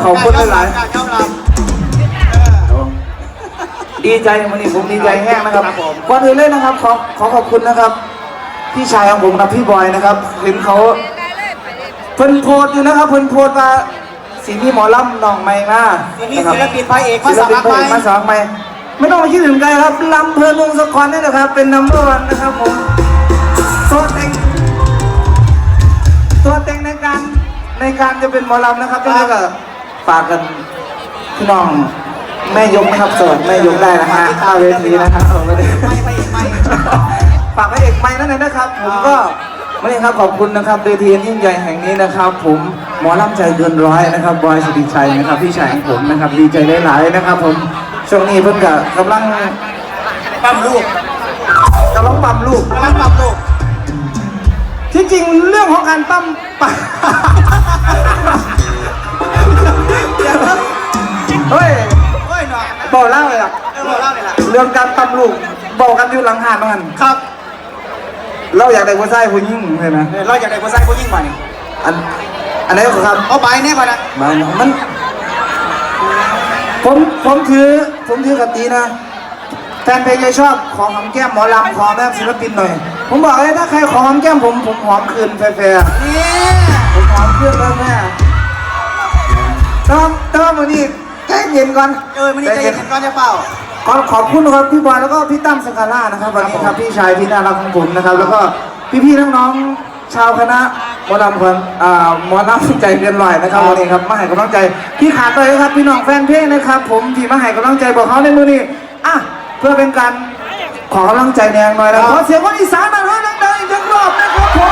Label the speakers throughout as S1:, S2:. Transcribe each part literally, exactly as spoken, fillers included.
S1: อบคุณหลายๆดีใจวันนี้ผมดีใจแห้งนะครับก่อนอื่นเลยนะครับขอขอขอบคุณนะครับพี่ชายของผมนะพี่บอยนะครับเห็นเขาเพิ่นโพสอยู่นะครับเพิ่นโพสว่าสีนี้หมอลำน้องใหม่มา
S2: มีศิลปินพระเอกมา
S1: ศิล
S2: ส
S1: ปิน
S2: มัคร
S1: พระ
S2: ให
S1: เอก
S2: ม่
S1: มาสมัครใหม่ไม่ต้องไปคิดถึงไกลครับลำเพลินวงศกรนี่นะครับเป็นนัมเบอร์วันนะครับผมตัวเต็งตัวเต็งในการในการจะเป็นหมอลำนะครับแล้วก็ฝากกันพี่น้องแม่ยกนะครับสดแม่ยกได้นะฮะข้าวเวทีนะครับฝากพระเอกใหม่นั่นเองนะครับผมก็ไม่ได้ครับขอบคุณนะครับเวทียิ่งใหญ่แห่งนี้นะครับผมหมอลำใจเกินร้อยนะครับบอยสิริชัยนะครับพี่ชายของผมนะครับดีใจหลายๆนะครับผมช่วงนี้เพิ่งกับกำลัง
S2: ปั๊มลูก
S1: กำลังปั๊มลูก
S2: กำลังปั๊มลูก
S1: ที่จริงเรื่องของการปั๊มปั๊มเฮ้ย
S2: เฮ้ยหน่อย
S1: บอกเล่าเลยล่ะ
S2: เออบอกเล่าเลยล่ะ
S1: เรื่องการปั๊มลูกบอกกันอยู่หลังหาดมัน
S2: ครับ
S1: เราอยากได้ผู้ชายผู้หญิงเลยนะ
S2: เราอยากได้ผู้ชายผู้หญิงมาเนี่ย
S1: อันอันไหนครับ
S2: เอาไปแน่ก่อนนะ
S1: มันมันผมผมถือผมถือกตินะแฟนเพลงชอบขอหอมแก้มหมอลำขอแม่ศิลปินหน่อยผมบอกเลยถ้าใครขอหอมแก้มผมผมหอมคืนแฟร์
S2: นี่
S1: ผมหอมคืนแล้วแม่ต้องต้องวันนี้ใจเย็นก่อน
S2: เออวันนี้ใจเย็นก่อนจะเปล่า
S1: ขอขอบคุณนะครับพี่บอยแล้วก็พี่ตั้มสกาล่านะครับวันนี้ครับพี่ชายที่น่ารักของผมนะครับแล้วก็พี่ๆน้องๆชาวคณะหมอลำคนอ่าหมอลำใจเกินร้อยนะครับวันนี้ครับมาให้กำลังใจพี่ขาดเลยครับพี่น้องแฟนเพลงนะครับผมที่มาให้กำลังใจบอกเขาในมือนี้อ่ะเพื่อเป็นการขอกำลังใจแนงหน่อยนะขอเสียงคนอีสานมาให้ดังๆอีกทั้งรอบนะครับผม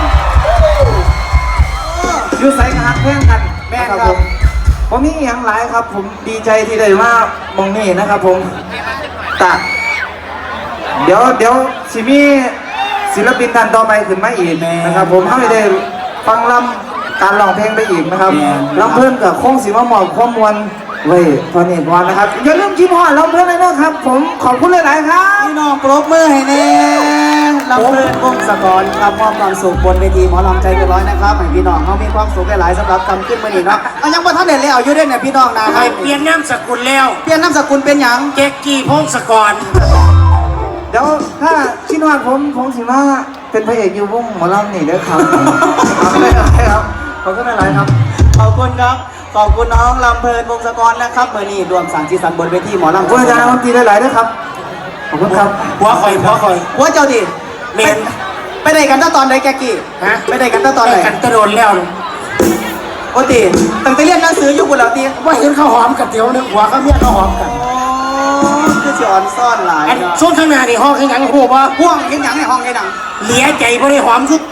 S1: อยู่ใส่กระหักเพลงกัน
S2: แม่
S1: ครับ
S2: ผม
S1: ผมมีอย่างหลายครับผมดีใจที่ได้มามองนี่นะครับผมแต่เดี๋ยวเดี๋ยวสิมีศิลปินท่านต่อไปขึ้นมาอีกนะครับผมให้ได้ฟังลำการร้องเพลงไปอีกนะครับลำเพิ่มกับโค้งสีมะหมอกข้อมวลเว้ยตอนนี้ก่อนนะครับอย่าลืมชิมห่อลำเพิ่มเลยนะครับผมขอบคุณหลายๆครับ
S2: พี่น้องปรบมือให้แน่ลำเพลินวงศกรครับมอบความสุขบนเวทีหมอลำใจเกินร้อยนะครับให้พี่น้องเขามีความสุขหลายๆสำหรับคำขึ้นมาอีกนะเอายังว่าท่านเด่นแล้วอยู่ด้วยเนี่ยพี่น้องนะ
S3: ไปเปลี่ยนนามสกุลแล้ว
S2: เปลี่ยนนามสกุลเป็นอย่าง
S3: เก๊กกี้พงศกร
S1: เดี๋ยวถ้าชินวานผมผมสิว่าเป็นพระเอกอยู่วงหมอลำนี่เด้อครับขอบคุณหลายๆครับขอบคุณหลายๆครับ
S2: ขอบคุณครับขอบคุณน้องลำเพลินวงศกรนะครับเมื่อนี้รวมสังสีสันบนเวทีหมอลำ
S1: คุณอาจารย์น้ำตีหลายๆด้วยครับขอบคุณครับ
S3: หัวคอยหัวคอย
S2: หัวเจ้าดิ
S3: เมน
S2: ไปไหนกันตั้งตอนไหนแกกี้
S3: ฮะ
S2: ไปไหนกันตั้งตอนไหน
S3: กันตะโดนแล้ว
S2: โอ้ตีตั้งแต่เรียนหนังสืออยู่กุหลาบตี
S3: ว่าเห็นเขาหอมกันเดี๋ยวนึกหัวเขาเมียเขาหอมกัน
S2: คือสิอ่อนซ่อนหลาย
S3: ช่วงข้างหน้านี่ห้องข้างหลังหัวว่า
S2: ห่วงยังยังในห้องในหนัง
S3: เหลียใจเพราะได้หอมทุกไป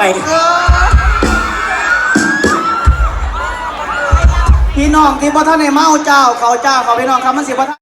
S2: พี่น้องที่พ่อท่านในเมาเจ้าเขาเจ้าเขาพี่น้องครับมันสิพ่อท่าน